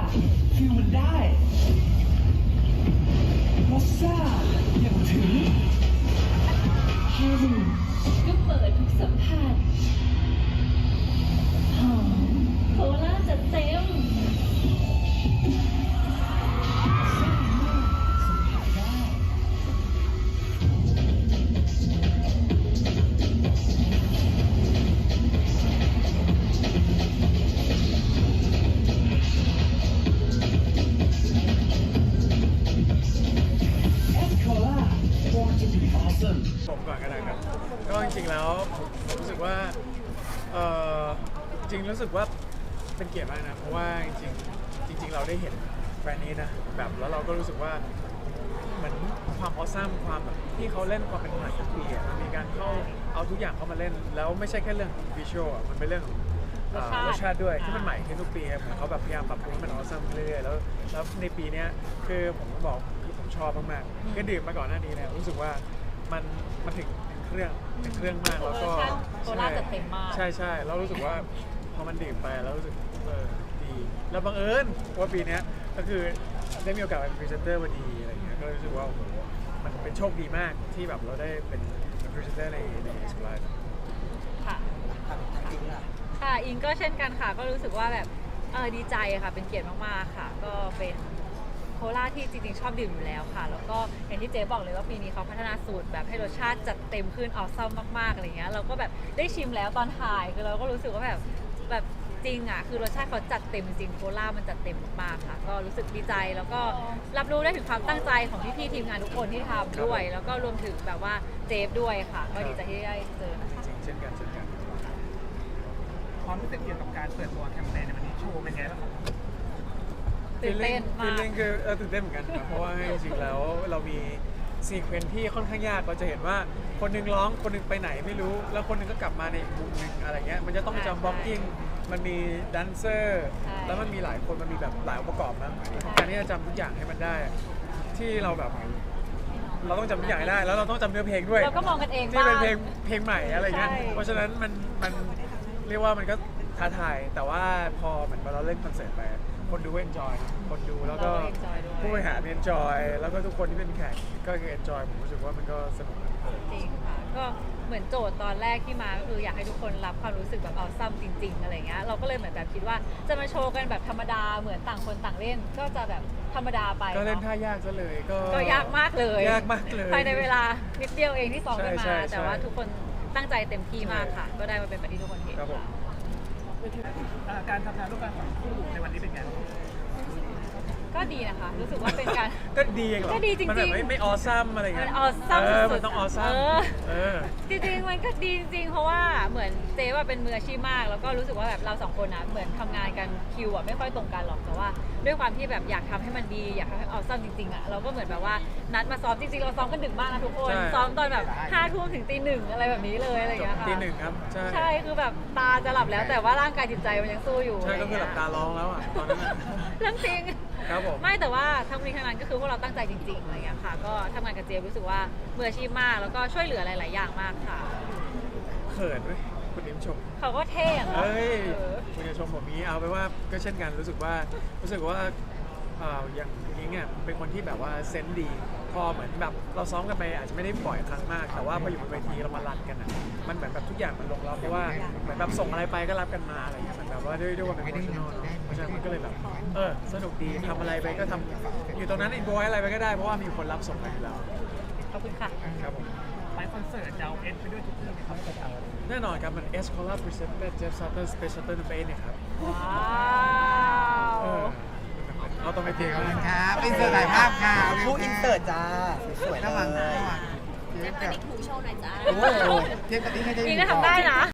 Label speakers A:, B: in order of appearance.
A: ฟิลมันได้มอสซ่าอย่างถึงฮารู
B: ก็เปิดทุกสัมผัสหอมโคลาจัดเต็ม
A: เอสโคล่า born to be awesome
C: ผมก่อนก็ได้ครับก็จริงๆแล้วผมรู้สึกว่าจริงรู้สึกว่าเป็นเกียรติมากนะเพราะว่าจริงเราได้เห็นแบรนด์นี้นะแบบแล้วเราก็รู้สึกว่าเหมือนความออซัมความแบบที่เขาเล่นความเป็นใหม่ทุกปีอ่ะมันมีการเข้าเอาทุกอย่างเข้ามาเล่นแล้วไม่ใช่แค่เรื่องวิชวลอ่ะมันเป็นเรื่องของรสชาติด้วยที่มันใหม่ขึ้นทุกปีครับเหมือนเขาแบบพยายามปรับปรุงให้มันออซัมเรื่อยๆแล้วในปีนี้คือผมบอกคือผมชอบมากๆคือดื่มมาก่อนหน้านี้เนี่ยรู้สึกว่ามันถึงเครื่องมากแล้วก็
B: โคลาจัดเต็มมาก
C: ใช่แล้วรู้สึกว่าพอมันดื่มไปแล้วรู้สึกดีแล้วบังเอิญว่าปีนี้ก็คือได้มีโอกาสเป็นพรีเซนเตอร์พอดีอะไรเงี้ยก็รู้สึกว่าโอ้โหมันเป็นโชคดีมากที่แบบเราได้เป็นพรีเซนเตอร์ในสไลด์
B: ค่ะค่ะอิงก็เช่นกันค่ะก็รู้สึกว่าแบบดีใจค่ะเป็นเกียรติมากๆค่ะก็เป็นโคลาที่จริงๆชอบดื่มอยู่แล้วค่ะแล้วก็อย่างที่เจ๊บอกเลยว่าปีนี้เขาพัฒนาสูตรแบบให้รสชาติจัดเต็มขึ้นออซัมมากๆอะไรเงี้ยเราก็แบบได้ชิมแล้วตอนถ่ายคือเราก็รู้สึกว่าแบบจริงอ่ะคือรสชาติเขาจัดเต็มจริงโคลามันจัดเต็มมากๆค่ะก็รู้สึกดีใจแล้วก็รับรู้ได้ถึงความตั้งใจของพี่ๆทีมงานทุกคนที่ทำด้วยแล้วก็รวมถึงแบบว่าเจฟด้วยค่ะก็ดีใจที่ได้เจอนะคะ
C: เช่นกัน
D: ความรู้สึกเกี่ยวกับการเปิดตัวแคมเปญในวันนี้โชว์เป็นไงบ้างครับ
B: ตื่นเต้นมาก
C: ฟีลลิ่งคือตื่นเต้นเหมือนกันครับเพราะว่าจริงๆแล้วเรามีซีเควนซ์ที่ค่อนข้างยากเราจะเห็นว่าคนหนึงร้องคนหนึงไปไหนไม่รู้แล้วคนหนึงก็กลับมาในอีกมุมหนึงอะไรเงี้ยมันจะต้องจำบล็อกกิ้งมันมีแดนเซอร์แล้วมันมีหลายคนมันมีแบบหลายองค์ประกอบนะการที่จะจำทุกอย่างให้มันได้ที่เราแบบเราต้องจำทุกอย่างให้ได้แล้วเราต้องจำเนื้อเพลงด้วย
B: เราก็มองกันเอง
C: ที่เป็น
B: บ้าง
C: เพลงใหม่อะไรเงี้ย
B: ใช่
C: เพราะฉะนั้นมันเรียกว่ามันก็ท้าทายแต่ว่าพอเหมือนเราเล่นคอนเสิร์ตไปคนดูเอนจอยคนดูแล้วก็
B: เรา enjoy ด้วย
C: ผู้บริหารเอนจอยแล้วก็ทุกคนที่เป็นแขกก็คือเอนจอยผมรู้สึกว่ามันก็สนุก
B: จริงค่ะก็เหมือนโจทย์ตอนแรกที่มาก็คืออยากให้ทุกคนรับความรู้สึกแบบเอาซ้ำจริงๆอะไรเงี้ยเราก็เลยเหมือนแบบคิดว่าจะมาโชว์กันแบบธรรมดาเหมือนต่างคนต่างเล่น ก็จะแบบธรรมดาไป
C: ก็เล่น
B: เนาะ
C: ท่ายากซะเลย
B: ก็ยากมากเลย
C: ยากมากเลย
B: ภายในเวลานิดเดียวเองที่ซ้อมกันมา
C: ใช่
B: แต่ว่าทุกคนตั้งใจเต็มที่มากค่ะ ก็ได้มาเป็นแบบที่ทุกคนเห็น
C: ครับผม
B: ค่ะ
D: การทำงานร่วมกันของคู่ในวันนี้เป็นไงบ้าง
B: ก็ดีนะคะ รู้สึกว่าเป็นการ
C: ก็ดีเองเหรอ
B: ก็ดีจริงๆ
C: มันแบบไม่ออซัมอะไร
B: มั
C: เงี้ย
B: นออซัม
C: มั
B: สุด
C: นต้องออซัม
B: จริงๆมันก็ดีจริงๆเพราะว่าเหมือนเจ๊ว่าเป็นมืออาชีพมาก แล้วก็รู้สึกว่าแบบเราสองคนนะเหมือนทำงานกันคิวอ่ะไม่ค่อยตรงกันหรอกแต่ว่า ด้วยความที่แบบอยากทำให้มันดีอยากทำให้ออซัมจริงๆอ่ะเราก็เหมือนแบบว่านัดมาซ้อมจริงๆเราซ้อมกันดึกมากนะทุกคนซ้อมตอนแบบ5 ทุ่มถึงตี 1อะไรแบบนี้เลยอะไรอย่างเงี้ยค่ะ
C: ตี 1ครับใช่
B: ใช่คือแบบตาจะหลับแล้วแต่ว่าร่างกายจิตใจมันยังสู้อยู่
C: ใช่ก็คือหลับตาร้องแล้วอ่ะตอนนั้นอะ
B: เรื่องจริง
C: ครับผม
B: ไม่แต่ว่าทั้งนี้ทั้งนั้นก็คือพวกเราตั้งใจจริงๆอะไรอย่างเงี้ยค่ะ ก็ทำงานกับเจมรู้สึกว่ามืออาชีพมากแล้วก็ช่วยเหลือหลายๆอย่างมากค่ะ
C: เขินเว้ยคุณนิ้มชม
B: เขาก็เท่อะเนาะ
C: เอ้ย
B: เออ
C: คุณจะชมผมนี้เอาไปว่าก็เช่นกันรู้สึกว่าอย่างนิ้งอ่ะเป็นคนที่แบบว่าเซนส์ดี พอเหมือนแบบเราซ้อมกันไปอาจจะไม่ได้บ่อยครั้งมาก แต่ว่าพออยู่บนเวทีเรามารันกันอ่ะมันเหมือนแบบทุกอย่างมันลงล็อกเพราะว่าเหมือนแบบส่งอะไรไปก็รับกันมาอะไรอย่างเงี้ยมันแบบว่าด้วยความเป็นโปรเฟชชั่นอลเพราะฉะนั้นมันก็เลยแบบสนุกดีทำอะไรไปก็ทำอยู่ตรงนั้นอินโวยอะไรไปก็ได้เพราะว่ามีคนรับส่งไปอยู่แล้ว
B: ขอบคุณค่ะ
C: ครับผม
D: ไปคอนเสิร์ตจะเอาเอสไปด้วยทุกที่ไหมครับ
C: แน่นอนครับมัน S Collar Presented Jeff Sutter Special Tournament เนี่ยครับ
B: ว้าว
C: เอาต้องไปเทีย
E: ขอบคุณ
C: ค
E: ครับ รับอินเสิร์ตถ่ายภาพค่ะ
F: ผู้อินเสิร์ตจ้า สวยๆเล
E: ระวังระ
F: ย
E: วัง
G: เจ๊ปนิกถูโชว์หน่อยจ้า
E: โอ้โหเทปปฏิให้ได้
B: นี่น่าทำได้นะ